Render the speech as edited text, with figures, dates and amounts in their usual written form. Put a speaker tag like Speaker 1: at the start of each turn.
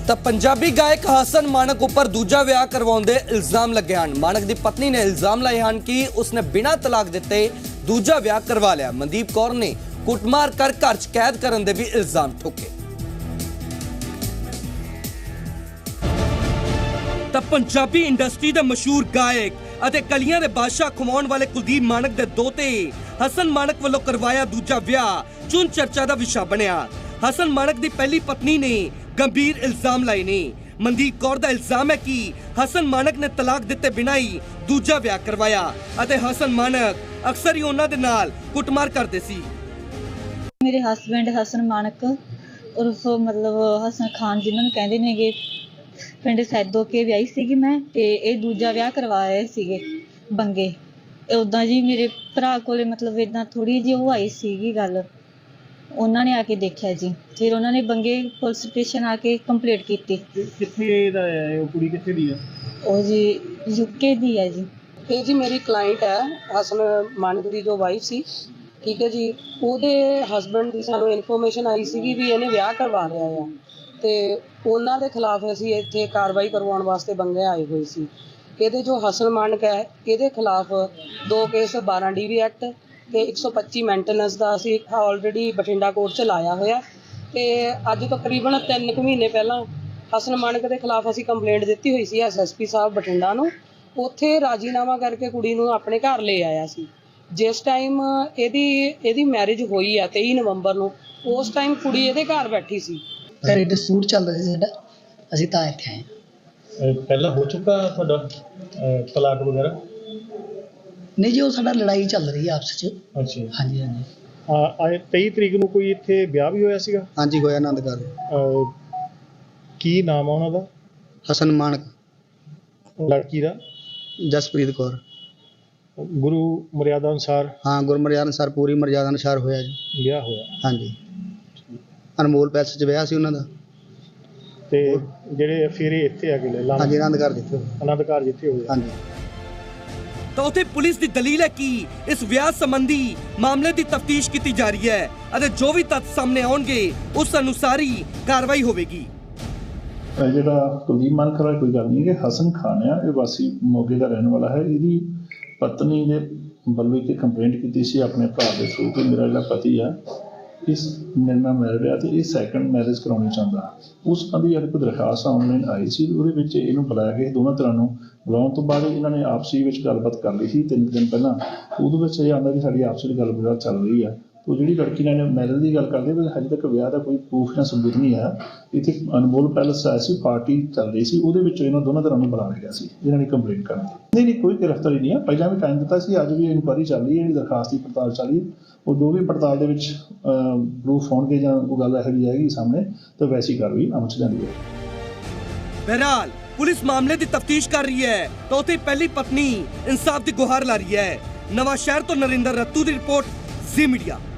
Speaker 1: ਤਾਂ ਪੰਜਾਬੀ ਗਾਇਕ ਹਸਨ ਮਾਨਕ ਉੱਪਰ ਦੂਜਾ ਵਿਆਹ ਕਰਵਾਉਣ ਦੇ ਇਲਜ਼ਾਮ ਲੱਗੇ ਹਨ। ਮਾਨਕ ਦੀ ਪਤਨੀ ਨੇ ਇਲਜ਼ਾਮ ਲਾਏ ਹਨ ਕਿ ਉਸਨੇ ਬਿਨਾਂ ਤਲਾਕ ਦਿੱਤੇ ਦੂਜਾ ਵਿਆਹ ਕਰਵਾ ਲਿਆ। ਮਨਦੀਪ ਕੌਰ ਨੇ ਕੁੱਟਮਾਰ ਕਰ ਘਰ 'ਚ ਕੈਦ ਕਰਨ ਦੇ ਵੀ ਇਲਜ਼ਾਮ ਠੋਕੇ। ਤਾਂ ਪੰਜਾਬੀ ਇੰਡਸਟਰੀ ਦੇ ਮਸ਼ਹੂਰ ਗਾਇਕ ਅਤੇ ਕਲੀਆਂ ਦੇ ਬਾਦਸ਼ਾਹ ਖਵਾਉਣ ਵਾਲੇ ਕੁਲਦੀਪ ਮਾਨਕ ਦੇ ਦੋਤੇ ਹਸਨ ਮਾਨਕ ਵੱਲੋਂ ਕਰਵਾਇਆ ਦੂਜਾ ਵਿਆਹ ਚੁਣ ਚਰਚਾ ਦਾ ਵਿਸ਼ਾ ਬਣਿਆ। ਹਸਨ ਮਾਨਕ ਦੀ ਪਹਿਲੀ ਪਤਨੀ ਨੇ ਗੰਭੀਰ ਇਲਜ਼ਾਮ ਲਾਏ ਨੇ। ਮਨਦੀਪ ਕੌਰ ਦਾ ਇਲਜ਼ਾਮ ਹੈ ਕਿ ਹਸਨ ਮਾਨਕ ਨੇ ਤਲਾਕ ਦਿੱਤੇ ਬਿਨਾਂ ਹੀ ਦੂਜਾ ਵਿਆਹ ਕਰਵਾਇਆ ਅਤੇ ਹਸਨ ਮਾਨਕ ਅਕਸਰ ਹੀ ਉਹਨਾਂ ਦੇ ਨਾਲ ਕੁੱਟਮਾਰ ਕਰਦੇ ਸੀ।
Speaker 2: ਮੇਰੇ ਹਸਬੈਂਡ ਹਸਨ ਮਾਨਕ ਉਰਫ ਮਤਲਬ ਹਸਨ ਖਾਨ ਜਿਨ੍ਹਾਂ ਨੂੰ ਕਹਿੰਦੇ ਨੇਗੇ ਪਿੰਡ ਸੈਦੋ ਕੇ ਵਿਆਹੀ ਸੀਗੀ ਮੈਂ ਤੇ ਇਹ ਦੂਜਾ ਵਿਆਹ ਕਰਵਾ ਰਹੇ ਸੀਗੇ ਬੰਗੇ। ਉਦਾਂ ਜੀ ਮੇਰੇ ਭਰਾ ਕੋਲੇ ਮਤਲਬ ਇਦਾਂ ਥੋੜੀ ਜਿਹੀ ਉਹ ਆਈ ਸੀਗੀ ਗੱਲ, ਉਹਨਾਂ ਨੇ ਆ ਕੇ ਦੇਖਿਆ ਜੀ। ਫਿਰ ਉਹਨਾਂ ਨੇ ਬੰਗੇ ਪੁਲਿਸ ਸਟੇਸ਼ਨ ਆ ਕੇ ਕੰਪਲੇਂਟ ਕੀਤੀ।
Speaker 3: ਕਿੱਥੇ ਦਾ ਹੈ ਉਹ ਕੁੜੀ, ਕਿੱਥੇ ਦੀ ਹੈ?
Speaker 2: ਉਹ ਜੀ ਯੂਕੇ ਦੀ ਹੈ ਜੀ।
Speaker 4: ਇਹ ਜੀ ਮੇਰੀ ਕਲਾਇੰਟ ਹੈ ਹਸਨ ਮਾਨਕ ਦੀ ਜੋ ਵਾਈਫ ਸੀ, ਠੀਕ ਹੈ ਜੀ। ਉਹਦੇ ਹਸਬੈਂਡ ਦੀ ਸਾਨੂੰ ਇਨਫੋਰਮੇਸ਼ਨ ਆਈ ਸੀਗੀ ਵੀ ਇਹਨੇ ਵਿਆਹ ਕਰਵਾ ਲਿਆ ਆ ਤੇ ਉਹਨਾਂ ਦੇ ਖਿਲਾਫ ਅਸੀਂ ਇੱਥੇ ਕਾਰਵਾਈ ਕਰਵਾਉਣ ਵਾਸਤੇ ਬੰਗੇ ਆਏ ਹੋਏ ਸੀ। ਇਹਦੇ ਜੋ ਹਸਨ ਮਾਨਕ ਹੈ ਇਹਦੇ ਖਿਲਾਫ 2 ਕੇਸ 12 DV ਐਕਟ ਤੇ 125 ਮੇਨਟੇਨੈਂਸ ਦਾ ਅਸੀਂ ਆਲਰੇਡੀ ਬਠਿੰਡਾ ਕੋਰਟ 'ਚ ਲਾਇਆ ਹੋਇਆ ਤੇ ਅੱਜ ਤਕਰੀਬਨ 3 ਮਹੀਨੇ ਪਹਿਲਾਂ ਹਸਨ ਮਾਨਕ ਦੇ ਖਿਲਾਫ ਅਸੀਂ ਕੰਪਲੇਂਟ ਦਿੱਤੀ ਹੋਈ ਸੀ SSP ਸਾਹਿਬ ਬਠਿੰਡਾ ਨੂੰ। ਉੱਥੇ ਰਾਜੀਨਾਮਾ ਕਰਕੇ ਕੁੜੀ ਨੂੰ ਆਪਣੇ ਘਰ ਲੈ ਆਇਆ ਸੀ। ਜਿਸ ਟਾਈਮ ਇਹਦੀ ਮੈਰਿਜ ਹੋਈ ਆ 23 ਨਵੰਬਰ ਨੂੰ, ਉਸ ਟਾਈਮ ਕੁੜੀ ਇਹਦੇ ਘਰ ਬੈਠੀ ਸੀ।
Speaker 5: ਘਰੇ ਡਿਸਪਿਊਟ ਚੱਲ ਰਿਹਾ ਸੀ ਸਾਡਾ, ਅਸੀਂ ਤਾਂ ਇੱਥੇ ਆਏ।
Speaker 3: ਪਹਿਲਾਂ ਹੋ ਚੁੱਕਾ ਤੁਹਾਡਾ ਤਲਾਕ ਵਗੈਰਾ?
Speaker 5: ਨਹੀਂ ਜੀ, ਉਹ ਸਾਡਾ ਲੜਾਈ ਚੱਲ ਰਹੀ ਹੈ ਆਪਸ 'ਚ।
Speaker 3: ਅੱਛਾ।
Speaker 5: ਹਾਂਜੀ ਹਾਂਜੀ।
Speaker 3: 23 ਤਰੀਕ ਨੂੰ ਕੋਈ ਇੱਥੇ ਵਿਆਹ ਵੀ ਹੋਇਆ ਸੀਗਾ?
Speaker 6: ਹਾਂਜੀ ਹੋਇਆ, ਆਨੰਦਗੜ੍ਹ।
Speaker 3: ਕੀ ਨਾਮ ਆ ਉਹਨਾਂ ਦਾ?
Speaker 6: ਹਸਨ ਮਾਨਕ।
Speaker 3: ਲੜਕੀ ਦਾ?
Speaker 6: ਜਸਪ੍ਰੀਤ ਕੌਰ।
Speaker 3: ਗੁਰੂ ਮਰਿਆਦਾ ਅਨੁਸਾਰ?
Speaker 6: ਹਾਂ, ਗੁਰਮਰਿਆਦਾ ਅਨੁਸਾਰ, ਪੂਰੀ ਮਰਿਆਦਾ ਅਨੁਸਾਰ ਹੋਇਆ ਜੀ
Speaker 3: ਵਿਆਹ ਹੋਇਆ।
Speaker 6: ਹਾਂਜੀ, ਅਨਮੋਲ ਪੈਲਸ 'ਚ ਵਿਆਹ ਸੀ ਉਹਨਾਂ ਦਾ।
Speaker 3: ਤੇ ਜਿਹੜੇ ਫਿਰ ਇੱਥੇ ਆ ਗਏ
Speaker 6: ਹਾਂਜੀ, ਆਨੰਦਗੜ੍ਹ ਜਿੱਥੇ
Speaker 3: ਆਨੰਦਗੜ੍ਹ ਜਿੱਥੇ ਹੋਇਆ।
Speaker 6: ਹਾਂਜੀ।
Speaker 1: ਤਾਂ ਉੱਥੇ ਪੁਲਿਸ ਦੀ ਦਲੀਲ ਹੈ ਕਿ ਇਸ ਵਿਆਹ ਸੰਬੰਧੀ ਮਾਮਲੇ ਦੀ ਤਫਤੀਸ਼ ਕੀਤੀ ਜਾ ਰਹੀ ਹੈ ਅਤੇ ਜੋ ਵੀ ਤੱਥ ਸਾਹਮਣੇ ਆਉਣਗੇ ਉਸ ਅਨੁਸਾਰ ਹੀ ਕਾਰਵਾਈ ਹੋਵੇਗੀ।
Speaker 7: ਜਿਹੜਾ ਕੁਲਦੀਪ ਮਾਨਕ ਵਾਲਾ ਕੋਈ ਗੱਲ ਨਹੀਂ, ਕਿ ਹਸਨ ਖਾਨ ਆ, ਇਹ ਵਾਸੀ ਮੋਗੇ ਦਾ ਰਹਿਣ ਵਾਲਾ ਹੈ। ਇਹਦੀ ਪਤਨੀ ਦੇ ਵੱਲੋਂ ਇੱਕ ਕੰਪਲੇਂਟ ਕੀਤੀ ਸੀ ਆਪਣੇ ਭਰਾ ਦੇ ਥਰੂ ਕਿ ਮੇਰਾ ਜਿਹੜਾ ਪਤੀ ਆ ਇਸ ਮੇਰੇ ਨਾਲ ਮੈਰਿਡ ਆ ਤੇ ਇਹ ਸੈਕੰਡ ਮੈਰਿਜ ਕਰਾਉਣੀ ਚਾਹੁੰਦਾ। ਉਸ ਸੰਬੰਧੀ ਇੱਕ ਦਰਖਾਸਤ ਆਨਲਾਈਨ ਆਈ ਸੀ, ਉਹਦੇ ਵਿੱਚ ਇਹਨੂੰ ਬੁਲਾਇਆ ਗਿਆ। ਦੋਨਾਂ ਤਰ੍ਹਾਂ ਨੂੰ ਬੁਲਾਉਣ ਤੋਂ ਬਾਅਦ ਇਹਨਾਂ ਨੇ ਆਪਸੀ ਵਿੱਚ ਗੱਲਬਾਤ ਕਰ ਲਈ ਸੀ 3 ਦਿਨ ਪਹਿਲਾਂ। ਉਹਦੇ ਵਿੱਚ ਇਹ ਆਉਂਦਾ ਕਿ ਸਾਡੀ ਆਪਸੀ ਵਿੱਚ ਗੱਲਬਾਤ ਚੱਲ ਰਹੀ ਆ। ਉਹ ਜਿਹੜੀ ਲੜਕੀ ਨਾਲ ਮੈਰਿਜ ਦੀ ਗੱਲ ਕਰਦੇ ਪਰ ਹਜੇ ਤੱਕ ਵਿਆਹ ਦਾ ਕੋਈ ਪ੍ਰੂਫ ਜਾਂ ਸਬੂਤ ਨਹੀਂ ਆਇਆ। ਇੱਥੇ ਅਨਮੋਲ ਪੈਲਸ ਆਇਆ ਸੀ, ਪਾਰਟੀ ਚੱਲ ਰਹੀ ਸੀ, ਉਹਦੇ ਵਿੱਚ ਇਹਨਾਂ ਦੋਨਾਂ ਤਰ੍ਹਾਂ ਨੂੰ ਬੁਲਾ ਲਿਆ ਸੀ ਇਹਨਾਂ ਨੇ ਕੰਪਲੇਂਟ ਕਰਨ ਦੀ। ਨਹੀਂ, ਕੋਈ ਗ੍ਰਿਫਤਾਰੀ ਨਹੀਂ ਆ। ਪਹਿਲਾਂ ਵੀ ਟਾਈਮ ਦਿੱਤਾ ਸੀ, ਅੱਜ ਵੀ ਇਨਕੁਆਇਰੀ ਚੱਲ ਰਹੀ ਹੈ, ਜਿਹੜੀ ਦਰਖਾਸਤ ਦੀ ਪੜਤਾਲ ਚੱਲ ਰਹੀ ਹੈ। ਉਹ ਜੋ ਵੀ ਪੜਤਾਲ ਦੇ ਵਿੱਚ ਪ੍ਰੂਫ ਹੋਣਗੇ ਜਾਂ ਕੋਈ ਗੱਲ ਇਹੋ ਜਿਹੀ ਆਏਗੀ ਸਾਹਮਣੇ ਤਾਂ ਵੈਸੀ ਕਾਰਵਾਈ ਅਮਲ 'ਚ ਜਾਂਦੀ ਹੈ।
Speaker 1: ਬਹਰਹਾਲ ਪੁਲਿਸ ਮਾਮਲੇ ਦੀ ਤਫਤੀਸ਼ ਕਰ ਰਹੀ ਹੈ ਤਾਂ ਉੱਥੇ ਪਹਿਲੀ ਪਤਨੀ ਇਨਸਾਫ ਦੀ ਗੁਹਾਰ ਲਾ ਰਹੀ ਹੈ। ਨਵਾਂ ਸ਼ਹਿਰ ਤੋਂ ਨਰਿੰਦਰ ਰੱਤੂ ਦੀ ਰਿਪੋਰਟ, ਜ਼ੀ ਮੀਡੀਆ।